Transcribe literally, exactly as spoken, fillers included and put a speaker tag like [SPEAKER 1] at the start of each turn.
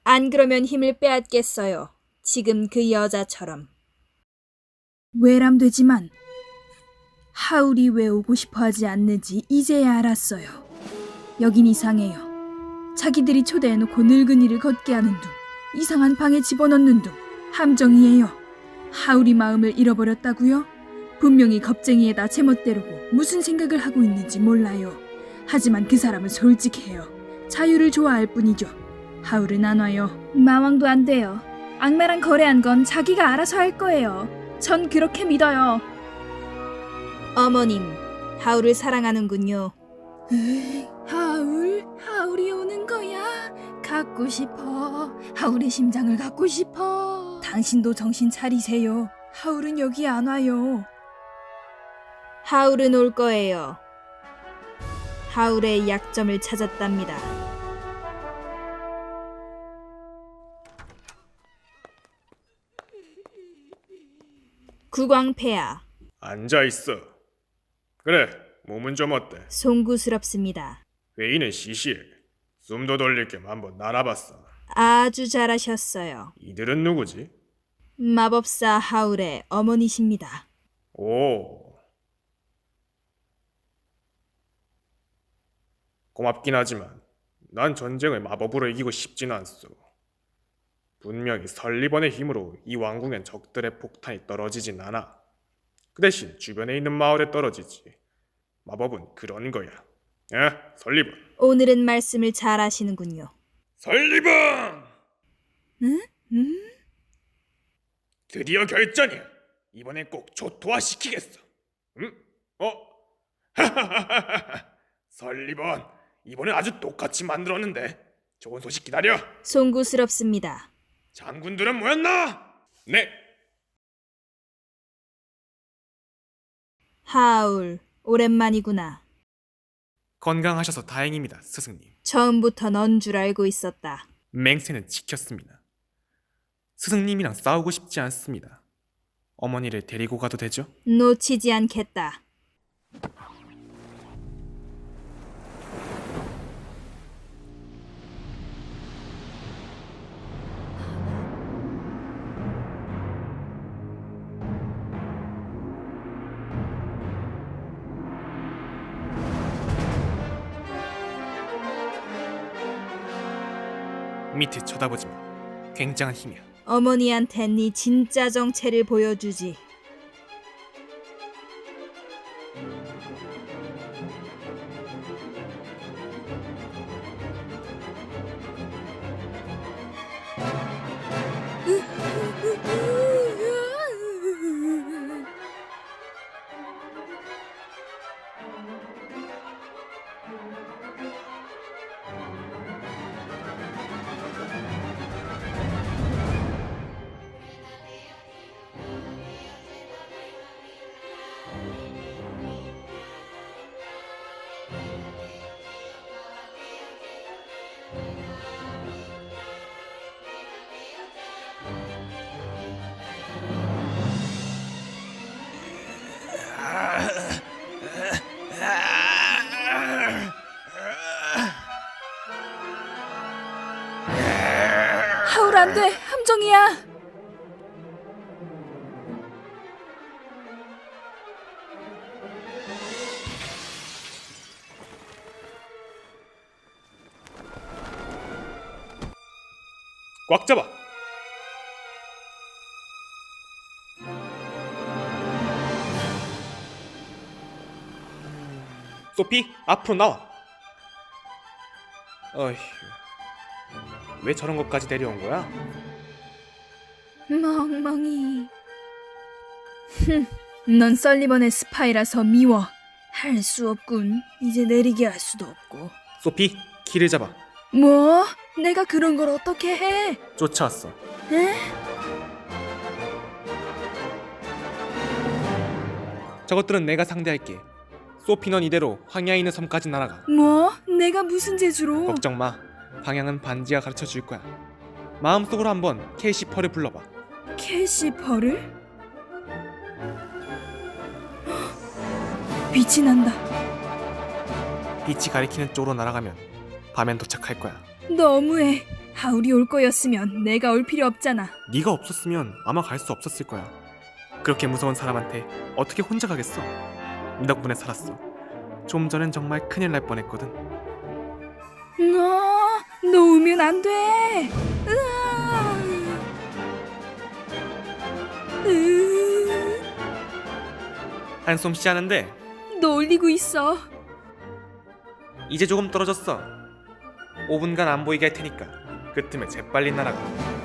[SPEAKER 1] 안 그러면 힘을 빼앗겠어요. 지금 그 여자처럼.
[SPEAKER 2] 외람되지만 하울이 왜 오고 싶어 하지 않는지 이제야 알았어요. 여긴 이상해요. 자기들이 초대해놓고 늙은이를 걷게 하는 둥, 이상한 방에 집어넣는 둥, 함정이에요. 하울이 마음을 잃어버렸다고요? 분명히 겁쟁이에다 제멋대로고 무슨 생각을 하고 있는지 몰라요. 하지만 그 사람은 솔직해요. 자유를 좋아할 뿐이죠. 하울은 안 와요. 마왕도 안 돼요. 악마랑 거래한 건 자기가 알아서 할 거예요. 전 그렇게 믿어요.
[SPEAKER 1] 어머님, 하울을 사랑하는군요.
[SPEAKER 2] 에이, 하울? 하울이 오는 거야? 갖고 싶어. 하울의 심장을 갖고 싶어. 당신도 정신 차리세요. 하울은 여기 안 와요.
[SPEAKER 1] 하울은 올 거예요. 하울의 약점을 찾았답니다. 국왕폐하.
[SPEAKER 3] 앉아있어. 그래, 몸은 좀 어때?
[SPEAKER 1] 송구스럽습니다.
[SPEAKER 3] 회의는 시시해. 숨도 돌릴 겸 한번 날아봤어.
[SPEAKER 1] 아주 잘하셨어요.
[SPEAKER 3] 이들은 누구지?
[SPEAKER 1] 마법사 하울의 어머니십니다.
[SPEAKER 3] 오. 고맙긴 하지만 난 전쟁을 마법으로 이기고 싶진 않소. 분명히 설리번의 힘으로 이 왕궁엔 적들의 폭탄이 떨어지진 않아. 그 대신 주변에 있는 마을에 떨어지지. 마법은 그런 거야. 에? 설리번.
[SPEAKER 1] 오늘은 말씀을 잘 하시는군요.
[SPEAKER 3] 설리번!
[SPEAKER 1] 응? 응?
[SPEAKER 3] 드디어 결전이야. 이번엔 꼭 초토화시키겠어. 응? 어? 하하하하하. 설리번, 이번엔 아주 똑같이 만들었는데 좋은 소식 기다려.
[SPEAKER 1] 송구스럽습니다.
[SPEAKER 3] 장군들은 모였나? 네.
[SPEAKER 1] 하울, 오랜만이구나.
[SPEAKER 4] 건강하셔서 다행입니다, 스승님.
[SPEAKER 1] 처음부터 넌 줄 알고 있었다.
[SPEAKER 4] 맹세는 지켰습니다. 스승님이랑 싸우고 싶지 않습니다. 어머니를 데리고 가도 되죠?
[SPEAKER 1] 놓치지 않겠다.
[SPEAKER 4] 밑에 쳐다보지 마. 굉장한 힘이야.
[SPEAKER 1] 어머니한텐 네 진짜 정체를 보여주지.
[SPEAKER 2] 하울 안 돼. 함정이야.
[SPEAKER 3] 꽉 잡아. 소피, 앞으로 나와. 어휴, 왜 저런 것까지 데려온 거야?
[SPEAKER 2] 멍멍이. 흠, 넌 설리번의 스파이라서 미워. 할 수 없군. 이제 내리게 할 수도 없고.
[SPEAKER 4] 소피, 길을 잡아.
[SPEAKER 2] 뭐? 내가 그런 걸 어떻게 해?
[SPEAKER 4] 쫓아왔어.
[SPEAKER 2] 에?
[SPEAKER 4] 저것들은 내가 상대할게. 소피, 넌 이대로 황야에 있는 섬까지 날아가.
[SPEAKER 2] 뭐? 내가 무슨 재주로?
[SPEAKER 4] 걱정 마. 방향은 반지가 가르쳐 줄 거야. 마음속으로 한번 캐시퍼를 불러봐.
[SPEAKER 2] 캐시퍼를? 헉! 빛이 난다.
[SPEAKER 4] 빛이 가리키는 쪽으로 날아가면 밤엔 도착할 거야.
[SPEAKER 2] 너무해. 하울이 올 거였으면 내가 올 필요 없잖아.
[SPEAKER 4] 네가 없었으면 아마 갈 수 없었을 거야. 그렇게 무서운 사람한테 어떻게 혼자 가겠어? 네 덕분에 살았어. 좀 전엔 정말 큰일 날 뻔했거든.
[SPEAKER 2] 너, 너 오면 안 돼. 으아. 으,
[SPEAKER 4] 한솜씨 하는데
[SPEAKER 2] 너 올리고 있어.
[SPEAKER 4] 이제 조금 떨어졌어. 오 분간 안 보이게 할 테니까 그 틈에 재빨리 날아가.